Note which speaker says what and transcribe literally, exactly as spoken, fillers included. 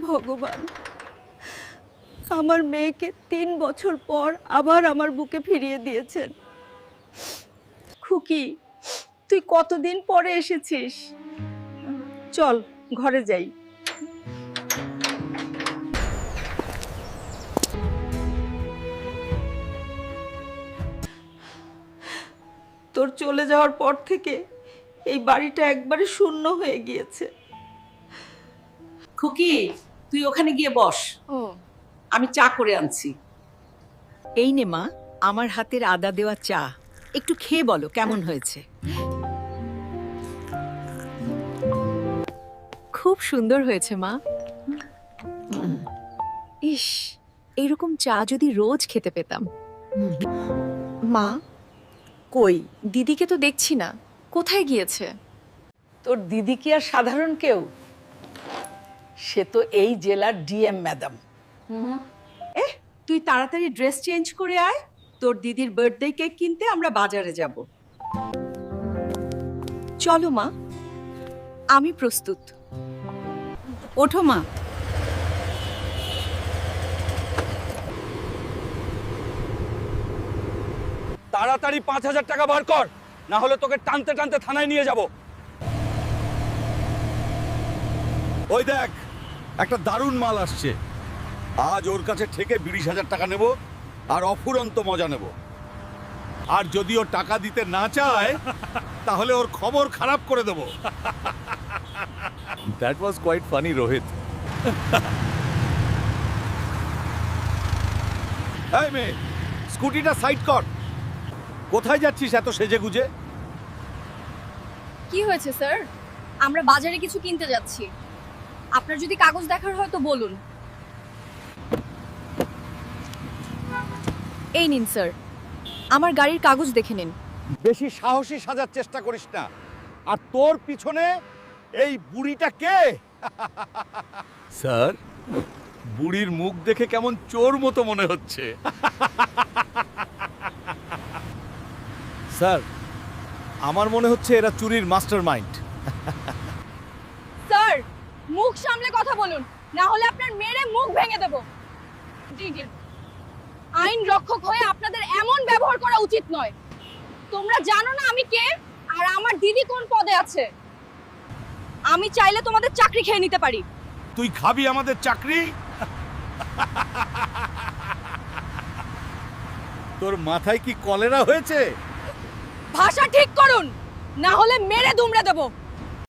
Speaker 1: ভগবান, আমার মেয়েকে তিন বছর পর আবার আমার বুকে ফিরিয়ে দিয়েছেন। খুকি, তুই কতদিন পরে এসেছিস? চল ঘরে যাই। তোর চলে যাওয়ার পর থেকে এই বাড়িটা একবারে শূন্য হয়ে গিয়েছে।
Speaker 2: খুকি, তুই ওখানে গিয়ে বস,
Speaker 1: ও,
Speaker 2: আমি চা করে আনছি।
Speaker 3: এই নে মা, আমার হাতের আদা দেওয়া চা, একটু খেয়ে বলো কেমন হয়েছে।
Speaker 4: খুব সুন্দর হয়েছে মা। ইস, এরকম চা যদি রোজ খেতে পেতাম। মা,
Speaker 3: কই,
Speaker 4: দিদিকে তো দেখছি না, কোথায় গিয়েছে?
Speaker 2: তোর দিদি কি আর সাধারণ কেউ? সে তো এই জেলার ডিএম ম্যাডাম। এ, তুই তাড়াতাড়ি ড্রেস চেঞ্জ করে আয়, তোর দিদির বার্থডে কেক কিনতে আমরা বাজারে যাব।
Speaker 4: চলো মা, আমি প্রস্তুত।
Speaker 2: ওঠো মা।
Speaker 5: তাড়াতাড়ি পাঁচ হাজার টাকা বার কর, না হলে তোকে টানতে টানতে থানায় নিয়ে যাব। ওই দেখ, একটা দারুণ মাল আসছে। আজ ওর কাছে থেকে বিশ হাজার টাকা নেব আর অফুরন্ত মজা নেব। আর যদি ও টাকা দিতে না চায় তাহলে ওর খবর খারাপ করে দেব। That was quite funny, Rohit. এই মেয়ে, স্কুটিটা সাইড কর। কোথায় যাচ্ছিস এত সেজে গুজে?
Speaker 6: কি হয়েছে স্যার? আমরা বাজারে কিছু কিনতে যাচ্ছি। আপনার যদি কাগজ দেখার হয় তো বলুন।
Speaker 4: এই নিন স্যার, আমার গাড়ির কাগজ দেখে নিন।
Speaker 5: বেশি সাহসী সাজার চেষ্টা করিস না। আর তোর পিছনে এই বুড়িটা কে? স্যার, বুড়ির মুখ দেখে কেমন চোর মতো মনে হচ্ছে। স্যার, আমার মনে হচ্ছে এরা চুরির মাস্টারমাইন্ড।
Speaker 6: স্যার, মুখ সামলে কথা বলুন, না হলে আপনার মেরে মুখ ভেঙে দেব। আইন রক্ষক হয়ে আপনাদের এমন ব্যবহার করা উচিত নয়। তোমরা জানো না আমি কে আর আমার দিদি কোন পদে আছে। আমি চাইলে তোমাদের চাকরি খেয়ে নিতে পারি।
Speaker 5: তুই খাবি আমাদের চাকরি? তোর মাথায় কি কলেরা হয়েছে?
Speaker 6: ভাষা ঠিক করুন, না হলে মেরে দুমড়ে দেব।